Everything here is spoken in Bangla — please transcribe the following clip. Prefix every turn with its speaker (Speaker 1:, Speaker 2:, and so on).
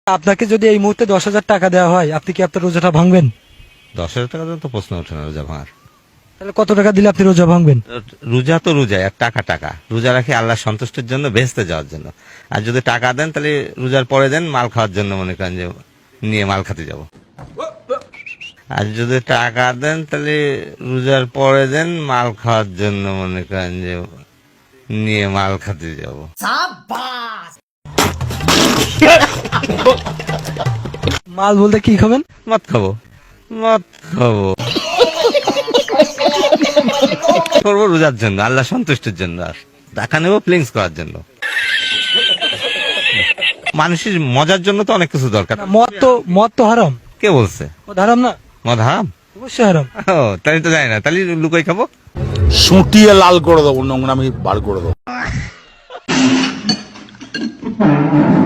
Speaker 1: আপনাকে যদি এই মুহূর্তে 10,000 টাকা দেওয়া হয়, আপনি কি আপনার রোজাটা ভাঙবেন?
Speaker 2: 10,000 টাকা তো প্রশ্ন ওঠে না রোজা ভাঙার।
Speaker 1: তাহলে কত টাকা দিলে আপনি রোজা ভাঙবেন?
Speaker 2: রোজা তো রোজা, এক টাকা টাকা রোজা রাখি আল্লাহ সন্তুষ্টির জন্য, বেহেশতে যাওয়ার জন্য। আর যদি টাকা দেন তাহলে রোজার পরে দেন মাল খাওয়ার জন্য, মনে করেন যে নিয়ে মাল খেতে যাব। আর যদি টাকা দেন তাহলে রোজার পরে দেন মাল খাওয়ার জন্য, মনে করেন যে নিয়ে মাল খেতে যাব।
Speaker 1: মাল বলতে কি খাবেন?
Speaker 2: মদ খাবো, মদ খাবো করবো রোজার জন্য, আল্লাহ সন্তুষ্টির জন্য, আর টাকা নেবো ফিলিংস করার জন্য। মানুষের মজার জন্য তো অনেক কিছু দরকার।
Speaker 1: মদ তো হারাম।
Speaker 2: কে বলছে
Speaker 1: মদ হারাম না?
Speaker 2: মদ হারাম?
Speaker 1: অবশ্যই হারাম।
Speaker 2: ও তাই তো জানি না, তাহলে লুকাই খাবো।
Speaker 3: সুটিয়ে লাল করে দেবো, নোংরামি বার করে দেবো।